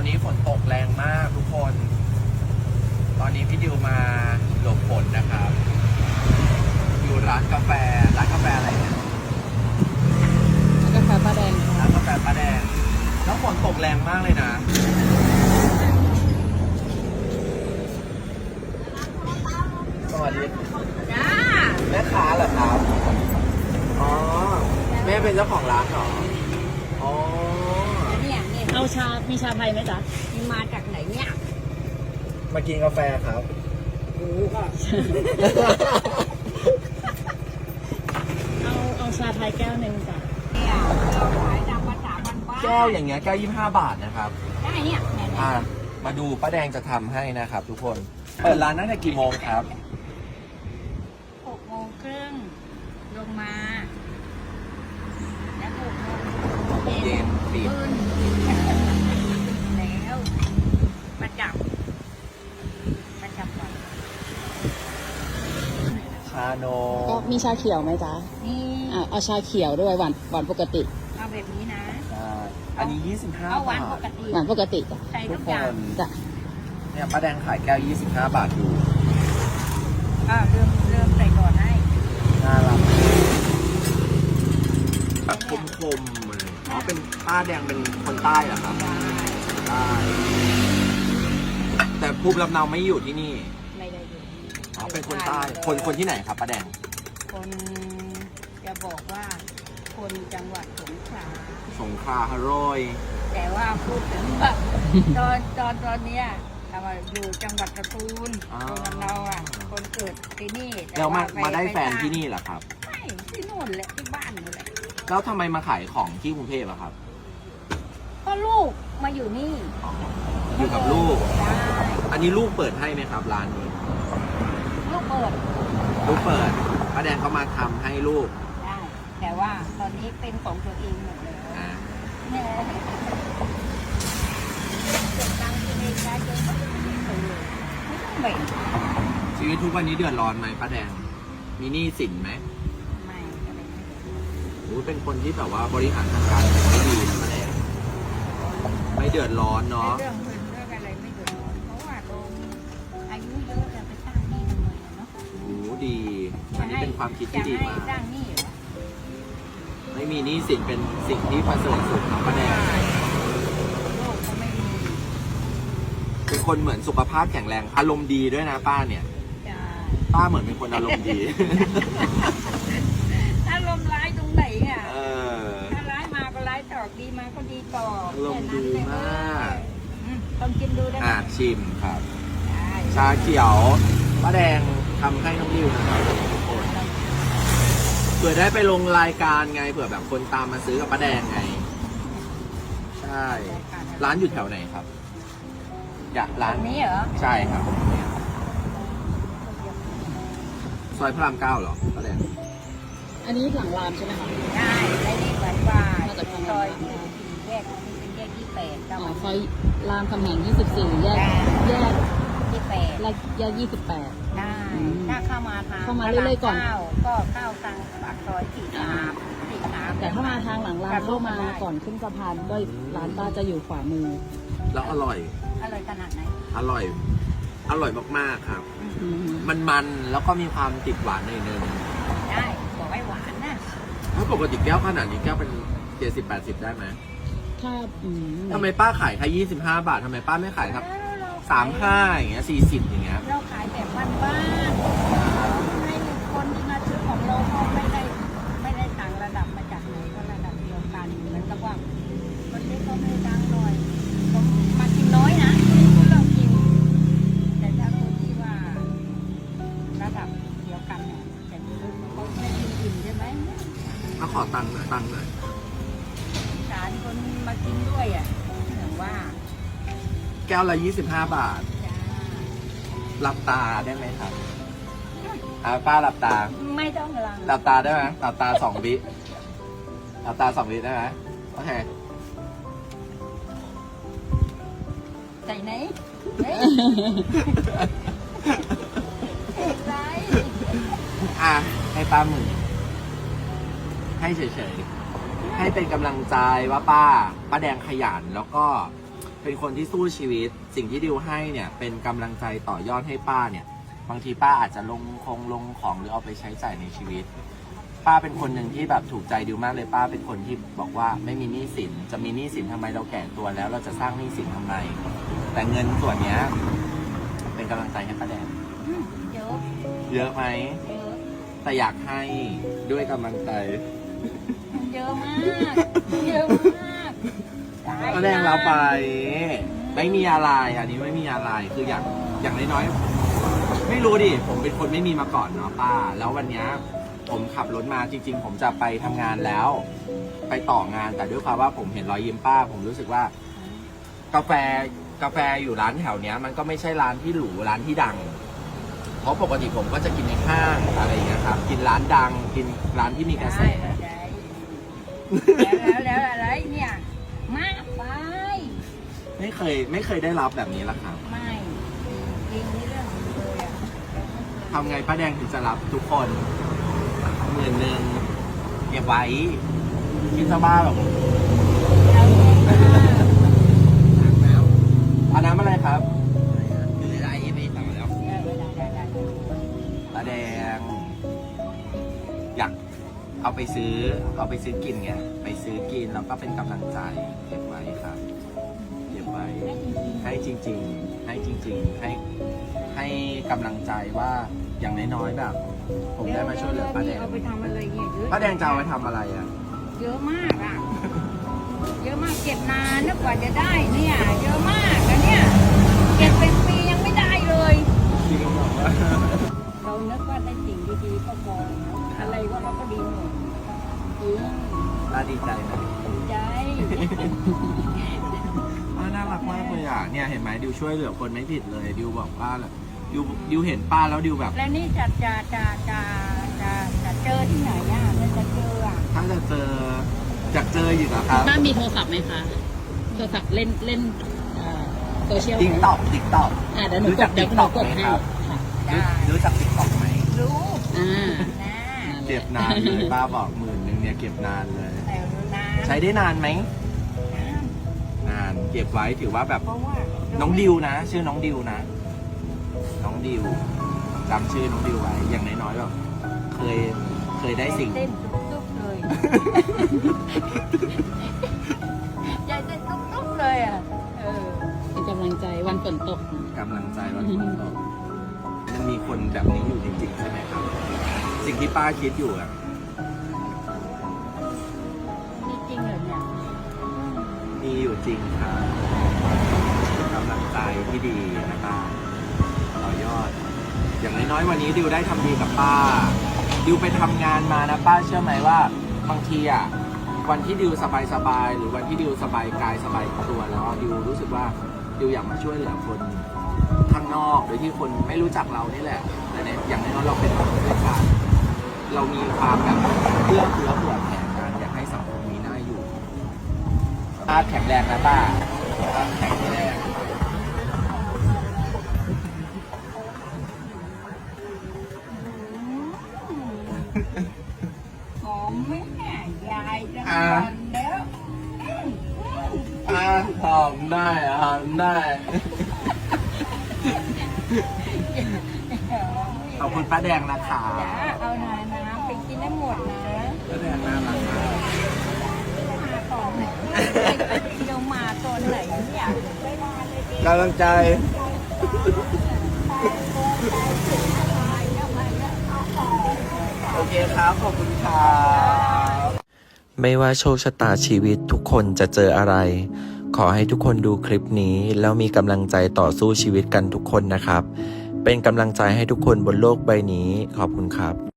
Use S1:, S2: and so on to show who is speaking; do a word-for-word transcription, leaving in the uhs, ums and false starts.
S1: อนนี้ฝนตกแรงมากทุกคน ตอนนี้พี่ดิวมาหลบฝนนะครับ อยู่ร้านกาแฟ ร้านกาแฟอะไรเนี่ย
S2: กาแฟป้าแดง
S1: ร้านกาแฟป้าแดง แล้วฝนตกแรงมากเลยนะ สวัสดีจ้าแม่ค้าเหรอครับ อ๋อ แม่เป็นเจ้าของร้านเหรอ อ๋อ
S3: เนี่ยเนี่ย
S2: เอาชา มีชาไทยไหมจ๊ะ
S3: มันมาจากไหนเนี่ย
S1: มากินกาแฟครับ
S3: กูก็
S2: เอาเอาชาไทยแก้วหนึ่งจ้ะ
S3: เนี่ยเราขายตามภาษาบ้านๆ
S1: แก้วอย่างเงี้ยแก้วยี่สิบห้าบาทนะครับ
S3: ได้เนี่ยเนี่ยเนี่ย
S1: อ่า มาดูป้าแดงจะทำให้นะครับทุกคน เปิดร้านตั้งแต่กี่โมงครับ
S3: หกโมงครึ่งลงมา แล้วหกโมง
S1: เย็นปิด
S3: ขึ้นแล้วประจับประจับก่อน
S1: ชาโน
S2: ก็มีชาเขียวไหมจ๊ะ
S3: นี่
S2: อ่าเอาชาเขียวด้วยหวานหวานปกติ
S3: เอาแบบนี้นะ
S1: ใช่อันนี้ยี่สิบห้า
S3: เอาหวา
S1: บาน
S3: ป
S1: ท
S3: กติ
S2: หวานปกติจ้ะ
S3: ใส่
S1: ทุ
S3: ทุ
S1: ก
S3: ก
S1: ค
S3: อย่าง
S1: น
S2: จ้ะ
S1: เนี่ยป้าแดงขายแก้วยี่สิบห้าบาทอยู่
S3: อ่าเริ่มเริ่มใส่ก่อนให้
S1: น่ารักแบบคมๆเลยอ๋อ เป็นป้าแดงเป็นคนใต้เหรอครับ ใต้ แต่ภูมิลำเนาไม่อยู่ที่นี่
S3: ไม่ได้อยู่
S1: อ๋อ เป็นคนใต้ คนคนที่ไหนครับป้าแดง
S3: คนจะบอกว่าคนจังหวัดสงขลา
S1: สงขลาฮารอย
S3: แต่ว่าพูดถึงว่า ตอนตอนตอนเนี้ยเราอยู่จังหวัดสตูล
S1: อ๋อ
S3: คนเราอ่ะคนเกิดที่นี่ต่
S1: แล้วมา
S3: ป
S1: มาได้แฟน
S3: ป
S1: ที่นี่เหรอครับ
S3: ใช่ที่นู่นแหละที่บ้านนู่นแหละ
S1: แล้วทำไมมาขายของที่กรุงเทพอะครับ
S3: ก็ลูกมาอยู่นี่
S1: อยู่กับลูก
S3: ได้
S1: อันนี้ลูกเปิดให้ไหมครับร้านนี้
S3: ลูกเปิด
S1: ลูกเปิดป้าแดงเขามาทำให้ลูก
S3: ได้แต่ว่าตอนนี้เป็นของตัวเองหมดเลย
S1: อ่า
S3: เนี่ยเก็บตังค์ตัวเองได้เยอะมากเลยไม่ต้องแบ่ง
S1: ชีวิตทุกวันนี้เดือดร้อนไหมป้าแดง มีหนี้สินไหม
S3: ไม่อะไรไม่ได้
S1: โอ้เป็นคนที่แบบว่าบริหารทางการเงินไม่ดีนะป้าแดง ไม่เดือดร้อนเนาะ
S3: เรื่องเงินเรื่องอะไรไม่เดือดร้อนเพราะว่าโดนอายุเยอะจะไปสร้างหนี้ทำไมอะเนาะ
S1: โอ้ดี อันนี้เป็นความคิดที่ดี
S3: จะ
S1: มา
S3: ให้
S1: ก
S3: สร้างหนี้เหรอ
S1: ไม่มีหนี้สินเป็นสิ่งที่ประเสริฐสุดของป้าแดง
S3: โลกก็ไม่มี
S1: เป็นคนเหมือนสุขภาพแข็งแรง อารมณ์ดีด้วยนะป้าเนี่ย
S3: จ้า
S1: ป้าเหมือนเป็นคนอารมณ์ดี
S3: ถ้าลมณ์ร้ายตรงไหนอ่ะ
S1: เออ
S3: ถ้าร้ายมาก็ร้ายต่อดีมาก็ดีต่อ
S1: อารมณ์ดีมาก
S3: อืมลองกินดูได้ไหม
S1: อ่าชิมครับ
S3: ได้
S1: ชาเขียวป้าแดงทำให้น้องดิวนะครับทุกคนเผื่อได้ไปลงรายการไงเผื่อแบบคนตามมาซื้อกับป้าแดงไง ใช่ ร้านอยู่แถวไหนครับ อยากร้า
S3: อั
S1: น
S3: นนี้เหรอ
S1: ใช่ครับซอยพระรามเก้าเหรอป้าแดง
S2: อันนี้หลังรามใช่ไหมคะ
S3: ได้ได้นี่เหมือนว่า
S2: มาจากทางไหน
S3: ซอยสี่แยกนี้เป็นแยกที่แปด
S2: อ๋
S3: เจ้า
S2: อซอยรามคำแหงยี่สิบสี่แยกแยก
S3: ที่แปด
S2: แยกแยกยี่สิบแปด
S3: ได้
S2: อืม
S3: ถ้าเข้ามาทาง
S2: เข้ามาเรื่อยๆก่อน
S3: พระรามเก็เข้าทางปากซอยสี่สามสี่สาม
S2: แต่ถ้ามาทางหลังรามเข้ามาก่อนขึ้นสะพานก็ร้านป้าจะอยู่ขวามือ
S1: แล้วอร่อย
S3: อร่อยขนาดไหน
S1: อร่อย อร่อยมากๆครับ
S2: อืม
S1: มันมันแล้วก็มีความติดหวานหน่อยนึง
S3: ได้บอกให้หวานนะ
S1: ถ้าปกติแก้วขนาดนี้แก้วเป็นเจ็ดสิบแปดสิบได้ไหม
S2: ถ้าอืม
S1: ทำไมป้าขายแค่ยี่สิบห้าบาททำไมป้าไม่ขายครับ
S3: แล้วเร
S1: สามห้าอย่างเงี้ยสี่สิบอย่างเงี้ย
S3: เราขายแบบบ้านๆให้คนที่มาซื้อของเราเขาไม่ได้ไม่ได้ต่างระดับมาจากไหนก็ระดับเดียวกันเหมือนกับว่าคนที่เขาไม่ดังหน่อยผมมากินน้อยนะที่เรากิน แต่ถ้าคนที่ว่าระดับเดียวกันเนี่ยแต่เขาไม่กินอิ่มใช่ไหม
S1: มาขอตังค์หน่อยตังค์หน่อย
S3: สารคนมากินด้วยอ่ะเหมือนว่า
S1: แก้วละยี่สิบห้าบาท
S3: จ้า
S1: หลับตาได้ไหมครับอ่าป้าหลับตา
S3: ไม่ต้องลัง
S1: หลับตาได้ไหมหลับตาสองวิหลับตาสองวิได้ไหมโอเค
S3: ใส่ไหนเฮ้ยไร
S1: อ่ะให้ป้าหมื่นให้เฉยๆให้เป็นกำลังใจว่าป้าป้าแดงขยันแล้วก็เป็นคนที่สู้ชีวิต สิ่งที่ดิวให้เนี่ยเป็นกำลังใจต่อยอดให้ป้าเนี่ยบางทีป้าอาจจะลงคงลงของหรือเอาไปใช้จ่ายในชีวิต ป้าเป็นคนหนึ่งที่แบบถูกใจดิวมากเลยป้าเป็นคนที่บอกว่าไม่มีหนี้สินจะมีหนี้สินทำไมเราแก่ตัวแล้ว เราจะสร้างหนี้สินทำไม แต่เงินส่วนเนี้ยเป็นกำลังใจให้ป้าแดง
S3: อืมเยอะ
S1: เยอะไหม
S3: เยอะ
S1: แต่อยากให้ด้วยกำลังใจ
S3: เยอะมาก เยอะมากได้
S1: ป้าแดงเราไป ไม่มีอะไรอันนี้ไม่มีอะไรคืออย่างอย่างน้อยๆไม่รู้ดิผมเป็นคนไม่มีมาก่อนเนาะป้า แล้ววันเนี้ยผมขับรถมาจริง ๆ ผมจะไปทำงานแล้ว ไปต่องานแต่ด้วยความว่าผมเห็นรอยยิ้มป้า ผมรู้สึกว่า กาแฟกาแฟอยู่ร้านแถวเนี้ย มันก็ไม่ใช่ร้านที่หรูร้านที่ดัง เพราะปกติผมก็จะกินในห้างอะไรอย่างเงี้ยครับกินร้านดัง กินร้านที่มีกระแส
S3: ได้แล้วแล้วแล้วอะไรเนี่ย มากไป
S1: ไม่เคยไม่เคยได้รับแบบนี้ละครับ
S3: ไม่จริงนี่เรื่องจริงเลยอะ
S1: ทำไงป้าแดงถึงจะรับทุกคนหมื่นหนึ่งเก็บไว้คิดซะบ้าแบบ
S3: เราเองมาก
S1: เอาน้ำอะไรครับคืออะไรไม่ต่อแล้ว
S3: เออได้ได้ได้
S1: ป้าแดง อยากเอาไปซื้อ เอาไปซื้อกินไงไปซื้อกินแล้วก็เป็นกำลังใจเก็บไว้ครับเก็บไว้ ให้จริง ๆ ให้จริง ๆ ให้ให้กำลังใจว่าอย่างน้อยๆแบบ ผมได้มาช่วยเหลือป้าแดง
S3: เอาไปทำอะไรเนี่ยเยอะ
S1: ป้าแดงจะเอาไปทำอะไรอ่ะ
S3: เยอะมากอ่ะ เยอะมากเก็บนานนะกว่าจะได้เนี่ย เยอะมากนะเนี่ย เก็บเป็นปียังไม่ได้เลย
S1: จริงเหรอวะ
S3: เรานึกว่าได้สิ่งดีๆก็พออะไรก็เราก็ดีหมดจริง
S1: น่าดีใจนะ
S3: ดีใจ
S1: ป้าน่ารักมากเลยอ่ะเนี่ยเห็นไหมดิวช่วยเหลือคนไม่ผิดเลยดิวบอกป้าแหละดิวดิวเห็นป้าแล้วดิวแบบ
S3: แล้วนี่จะจะจะจะจะจะเจอที่ไหนอ่ะมันจะเจออ่ะ
S1: ถ้าจะเจอจากเจออยู่เหรอครับ
S2: ป้ามีโทรศัพท์ไหมคะ โทรศัพท์เล่นเล่นโซเชียล
S1: ติ๊กต็อกติ๊กต็อก
S2: อ่าเดี๋ยวหนูกดเดี๋ยวหนูกดให้ค่ะ
S3: จ้า
S1: รู้จักติ๊กต็อกไหม
S3: รู้
S2: อ่า
S3: นะ
S1: เก็บนานเลยป้าบอกหมื่นหนึ่งเนี่ยเก็บนานเลย
S3: แต่รู้นะ
S1: ใช้ได้นานไหมนานเก็บไว้ถือว่าแบบ
S3: เพราะว่า
S1: น้องดิวนะ ชื่อน้องดิวนะ น้องดิวจำชื่อน้องดิวไว้อย่างน้อยๆแบบเคยเคยได้สิ่ง
S3: เต้นตุ๊บๆเลยใจเต้นตุ๊บๆเลยอ่ะเออ
S2: เป็นกำลังใจวันฝนตก
S1: กำลังใจวันฝนตกมันมีคนแบบนี้อยู่จริงๆใช่ไหมครับ สิ่งที่ป้าคิดอยู่อะ
S3: นี่จริงเหรอเนี่ย
S1: มีอยู่จริงครับกำลังใจที่ดีนะป้าต่อยอด อย่างน้อยๆวันนี้ดิวได้ทำดีกับป้า ดิวไปทำงานมานะป้าเชื่อไหมว่าบางทีอะวันที่ดิวสบายๆหรือวันที่ดิวสบายกายสบายตัวแล้วดิวรู้สึกว่าดิวอยากมาช่วยเหลือคนข้างนอกโดยที่คนไม่รู้จักเรานี่แหละ แต่ในอย่างน้อยๆเราเป็นคนด้วยกันเรามีความแบบเพื่อเพื่อเผื่อแผ่กันอยากให้สังคมนี้น่าอยู่ป้าแข็งแรงนะป้าป้าแข็งแรง
S3: หอมไหมแม่ยายจะนอนแล้ว
S1: อ่าหอมได้หอมได้ ขอบคุณป้าแดงนะคะ
S3: จ๋าเอาหน่อยนะไปกินได้หมดนะ
S1: ป้าแดงน่ารักมาก
S3: มาก่อนไหนเดี๋ยวมาตอนไหนเนี่ยไม่มาเลย
S1: กำลังใจ โอเคครับ ขอบคุณครับไม่ว่าโชคชะตาชีวิตทุกคนจะเจออะไร ขอให้ทุกคนดูคลิปนี้ แล้วมีกำลังใจต่อสู้ชีวิตกันทุกคนนะครับ เป็นกำลังใจให้ทุกคนบนโลกใบนี้ ขอบคุณครับ